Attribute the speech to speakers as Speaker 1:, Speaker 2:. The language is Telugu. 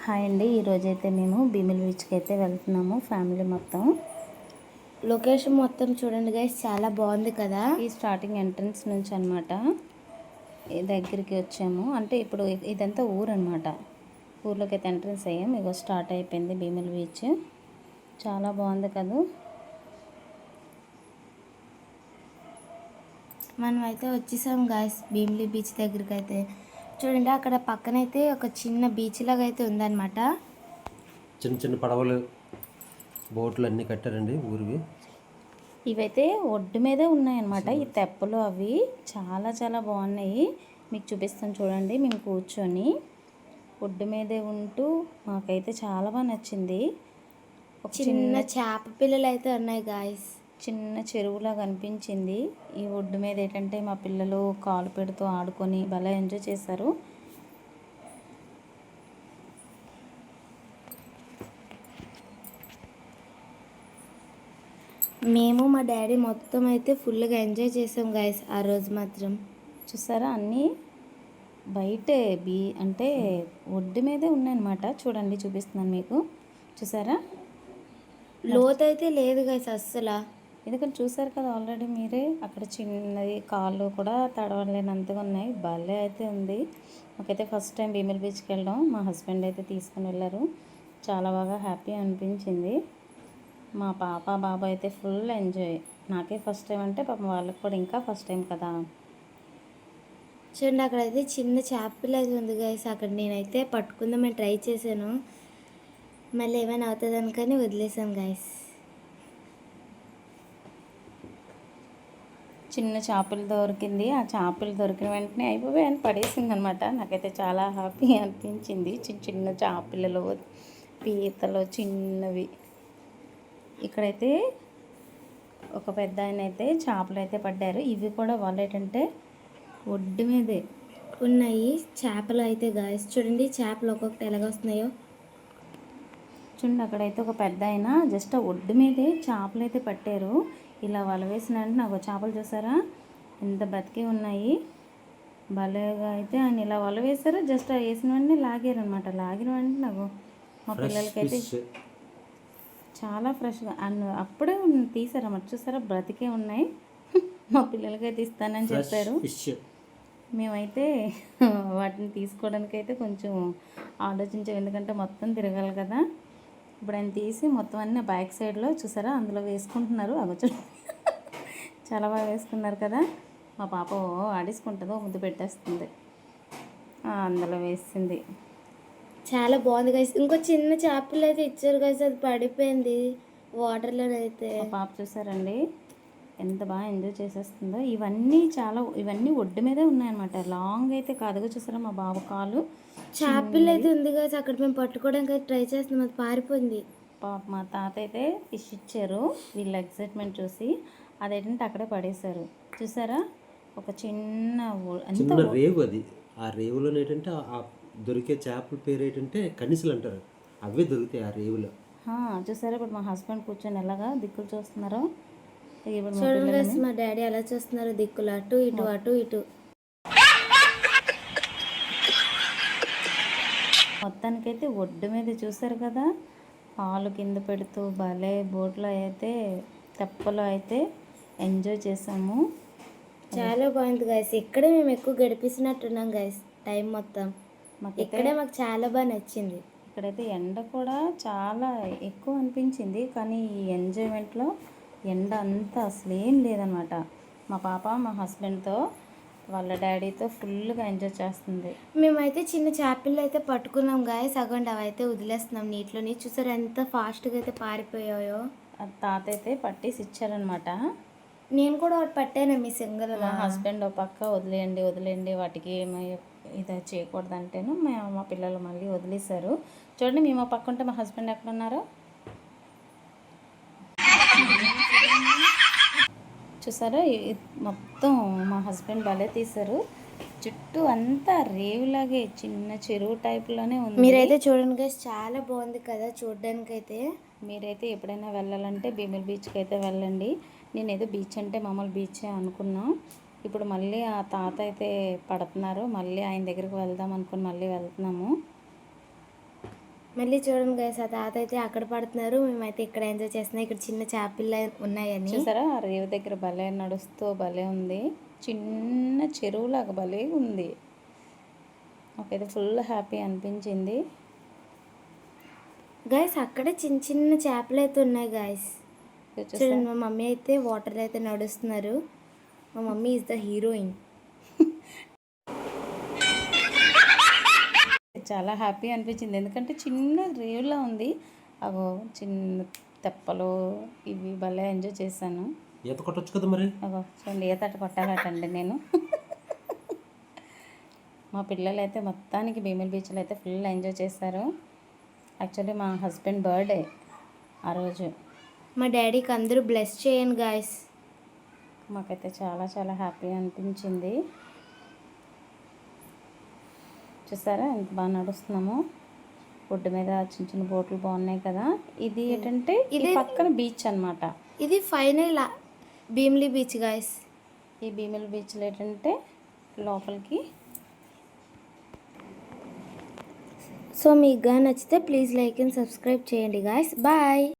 Speaker 1: హాయ్ అండి, ఈరోజైతే మేము భీమిలి బీచ్కి అయితే వెళ్తున్నాము ఫ్యామిలీ మొత్తం.
Speaker 2: లొకేషన్ మొత్తం చూడండి గైస్, చాలా బాగుంది కదా.
Speaker 1: ఈ స్టార్టింగ్ ఎంట్రన్స్ నుంచి అనమాట దగ్గరికి వచ్చాము. అంటే ఇప్పుడు ఇదంతా ఊరు అనమాట. ఊర్లోకి అయితే ఎంట్రన్స్ అయ్యాం. ఇగో స్టార్ట్ అయిపోయింది భీమిలి బీచ్. చాలా బాగుంది కదా.
Speaker 2: మనం అయితే వచ్చేసాం గాయస్ భీమిలి బీచ్ దగ్గరికి. అయితే చూడండి, అక్కడ పక్కనైతే ఒక చిన్న బీచ్ లాగా అయితే ఉందన్నమాట.
Speaker 3: చిన్న చిన్న పడవలు, బోట్లు అన్నీ కట్టారండి ఊరివి.
Speaker 1: ఇవైతే ఒడ్డు మీదే ఉన్నాయన్నమాట. ఈ తెప్పలు అవి చాలా చాలా బాగున్నాయి. మీకు చూపిస్తాను చూడండి. మేము కూర్చొని ఒడ్డు మీదే ఉంటూ మాకైతే చాలా బాగా నచ్చింది.
Speaker 2: ఒక చిన్న చేప పిల్లలు అయితే ఉన్నాయి గాయస్.
Speaker 1: చిన్న చెరువులా కనిపించింది. ఈ ఒడ్డు మీద ఏంటంటే మా పిల్లలు కాలు పెడుతూ ఆడుకొని భలే ఎంజాయ్ చేశారు.
Speaker 2: మేము మా డాడీ మొత్తం అయితే ఫుల్గా ఎంజాయ్ చేసాం గాయస్ ఆ రోజు మాత్రం.
Speaker 1: చూసారా, అన్నీ బయటే అంటే ఒడ్డు మీదే ఉన్నాయన్నమాట. చూడండి, చూపిస్తున్నాను మీకు. చూసారా,
Speaker 2: లోతైతే లేదు గాయస్ అస్సలు.
Speaker 1: ఎందుకంటే చూసారు కదా ఆల్రెడీ మీరే. అక్కడ చిన్నది కాళ్ళు కూడా తడవలేనంతగా ఉన్నాయి. భలే అయితే ఉంది. మాకైతే ఫస్ట్ టైం భీమిలి బీచ్కి వెళ్ళడం. మా హస్బెండ్ అయితే తీసుకుని వెళ్ళారు. చాలా బాగా హ్యాపీ అనిపించింది. మా పాప బాబు అయితే ఫుల్ ఎంజాయ్. నాకే ఫస్ట్ టైం అంటే పాపం వాళ్ళకి కూడా ఇంకా ఫస్ట్ టైం కదా.
Speaker 2: చూడండి, అక్కడైతే చిన్న చేపలు అయితే ఉంది గాయస్. అక్కడ నేనైతే పట్టుకుందామని ట్రై చేశాను. మళ్ళీ ఏమైనా అవుతుంది అనుకని వదిలేసాను గాయస్.
Speaker 1: చిన్న చేపలు దొరికింది. ఆ చేపలు దొరికిన వెంటనే అయిపోయి అని పడేసింది అనమాట. నాకైతే చాలా హ్యాపీ అనిపించింది. చిన్న చిన్న చేపలలో పీతలు చిన్నవి. ఇక్కడైతే ఒక పెద్ద ఆయన అయితే చేపలు అయితే పడ్డారు. ఇవి కూడా వాళ్ళు ఏంటంటే ఒడ్డు మీదే
Speaker 2: ఉన్నాయి చేపలు అయితే గాయస్. చూడండి చేపలు ఒక్కొక్కటి ఎలాగొస్తున్నాయో
Speaker 1: చూడండి. అక్కడైతే ఒక పెద్ద ఆయన జస్ట్ ఒడ్డు మీదే చేపలు అయితే పట్టారు. ఇలా వల వేసిన అంటే నాకు చేపలు చూసారా ఎంత బతికి ఉన్నాయి. భలేగా అయితే ఆయన ఇలా వల వేసారు. జస్ట్ వేసిన వెంటనే లాగారు అనమాట. లాగిన వెంటనే నాకు మా పిల్లలకైతే చాలా ఫ్రెష్గా అప్పుడే తీసారన్నమాట. చూసారా, బ్రతికే ఉన్నాయి. మా పిల్లలకైతే ఇస్తానని చెప్పారు. మేమైతే వాటిని తీసుకోవడానికి అయితే కొంచెం ఆలోచించాం. ఎందుకంటే మొత్తం తిరగాలి కదా. ఇప్పుడు ఆయన తీసి మొత్తం అన్నీ బ్యాక్ సైడ్లో చూసారా అందులో వేసుకుంటున్నారు. అవి చాలా బాగా వేసుకున్నారు కదా. మా పాప ఆడేసుకుంటుందో ముద్దు పెట్టేస్తుంది. అందులో వేసింది.
Speaker 2: చాలా బాగుంది గైస్. ఇంకో చిన్న చేపలు అయితే ఇచ్చారు గైస్, అది పడిపోయింది వాటర్లో అయితే.
Speaker 1: మా పాప చూసారండి ఎంత బాగా ఎంజాయ్ చేసేస్తుందో. ఇవన్నీ ఒడ్డు మీదే ఉన్నాయన్నమాట. లాంగ్ అయితే కాదుగా. చూసారా మా బాబు కాలు
Speaker 2: చేపలు అయితే ఉంది గైస్. అక్కడ మేము పట్టుకోవడానికి అయితే ట్రై చేస్తున్నాం, అది పారిపోయింది.
Speaker 1: పాప మా తాత అయితే ఫిష్ ఇచ్చారు. వీళ్ళ ఎక్సైట్మెంట్ చూసి అదేంటంటే అక్కడే పడేశారు. చూసారా, ఒక చిన్న
Speaker 3: రేవు అది. ఆ రేవులో ఏంటంటే ఆ దొరికే చేపల పేరు ఏంటంటే కనిసలు అంటారు. అవే దొరుకుతాయి ఆ రేవులో.
Speaker 1: చూసారా, ఇప్పుడు మా హస్బెండ్ కూర్చొని ఎలాగా దిక్కులు చూస్తున్నారు.
Speaker 2: చూడండి మా డాడీ ఎలా చూస్తున్నారు, దిక్కులు అటు ఇటు అటు ఇటు.
Speaker 1: మొత్తానికైతే ఒడ్డు మీద చూసారు కదా, పాలు కింద పెడుతూ భలే బోట్లో అయితే తెప్పలో అయితే ఎంజాయ్ చేసాము.
Speaker 2: చాలా బాగుంది గైస్. ఇక్కడే మేము ఎక్కువ గడిపిస్తున్నట్టున్నాం గైస్ టైం మొత్తం. ఇక్కడే మాకు చాలా బాగా నచ్చింది.
Speaker 1: ఇక్కడైతే ఎండ కూడా చాలా ఎక్కువ అనిపించింది. కానీ ఈ ఎంజాయ్మెంట్లో ఎండ అంతా అసలు ఏం లేదనమాట. మా పాప మా హస్బెండ్తో వాళ్ళ డాడీతో ఫుల్గా ఎంజాయ్ చేస్తుంది.
Speaker 2: మేమైతే చిన్న చేపలు అయితే పట్టుకున్నాం గాయస్. అగండి అవి అయితే వదిలేస్తున్నాం నీటిలోని. చూసారు ఎంత ఫాస్ట్గా అయితే పారిపోయాయో.
Speaker 1: తాత అయితే పట్టేసి ఇచ్చారనమాట.
Speaker 2: నేను కూడా ఒకటి పట్టాను మీ సింగల్.
Speaker 1: మా హస్బెండ్ ఒక పక్క వదిలేయండి వాటికి ఇది చేయకూడదు అంటేను మా పిల్లలు మళ్ళీ వదిలేశారు. చూడండి, మేము పక్క ఉంటే మా హస్బెండ్ ఎక్కడ ఉన్నారో చూసారా. మొత్తం మా హస్బెండ్ భలే తీశారు. చుట్టూ అంతా రేవులాగే చిన్న చెరువు టైప్లోనే ఉంది.
Speaker 2: మీరైతే చూడండి గైస్, చాలా బాగుంది కదా చూడడానికైతే.
Speaker 1: మీరైతే ఎప్పుడైనా వెళ్ళాలంటే భీమిలి బీచ్కి అయితే వెళ్ళండి. నేనేదో బీచ్ అంటే మామూలు బీచే అనుకున్నా. ఇప్పుడు మళ్ళీ ఆ తాత అయితే పడుతున్నారు. మళ్ళీ ఆయన దగ్గరికి వెళ్దాం అనుకుని మళ్ళీ వెళ్తున్నాము.
Speaker 2: మళ్ళీ చూడండి గైస్, ఆ తాత అయితే అక్కడ పడుతున్నారు, మేమైతే ఇక్కడ ఎంజాయ్ చేస్తున్నాం. ఇక్కడ చిన్న చేపలు ఉన్నాయని.
Speaker 1: చూసారా ఆ రేవు దగ్గర భలే నడుస్తూ భలే ఉంది, చిన్న చెరువులాగా భలే ఉంది. నాకైతే ఫుల్ హ్యాపీ అనిపించింది.
Speaker 2: గైస్ అక్కడ చిన్న చిన్న చేపలు అయితే ఉన్నాయి గైస్. చూడండి, మా మమ్మీ అయితే వాటర్ అయితే నడుస్తున్నారు. మా మమ్మీ ఈజ్ ద హీరోయిన్.
Speaker 1: చాలా హ్యాపీ అనిపించింది, ఎందుకంటే చిన్న రేవులా ఉంది. అగో చిన్న తెప్పలు ఇవి భలే ఎంజాయ్ చేశాను.
Speaker 3: ఈత కొట్టొచ్చు కదా మరి.
Speaker 1: అగో చూడండి, ఈతట కొట్టాలటండి నేను. మా పిల్లలు అయితే మొత్తానికి భీమిలి బీచ్లో అయితే ఫుల్ ఎంజాయ్ చేశారు. యాక్చువల్లీ మా హస్బెండ్ బర్త్డే ఆ రోజు.
Speaker 2: మా డాడీకి అందరూ బ్లెస్ చేయండి గాయస్.
Speaker 1: మాకైతే చాలా చాలా హ్యాపీ అనిపించింది. చూసారా ఎంత బాగా నడుస్తున్నాము. ఒడ్డు మీద చిన్న చిన్న బోట్లు బాగున్నాయి కదా. ఇది ఏంటంటే ఇది పక్కన బీచ్ అన్నమాట.
Speaker 2: ఇది ఫైనల్ భీమిలి బీచ్ గాయస్.
Speaker 1: ఈ భీమిలి బీచ్లో ఏంటంటే లోపలికి.
Speaker 2: సో మీకు నచ్చితే ప్లీజ్ లైక్ అండ్ సబ్స్క్రైబ్ చేయండి గాయస్. బాయ్.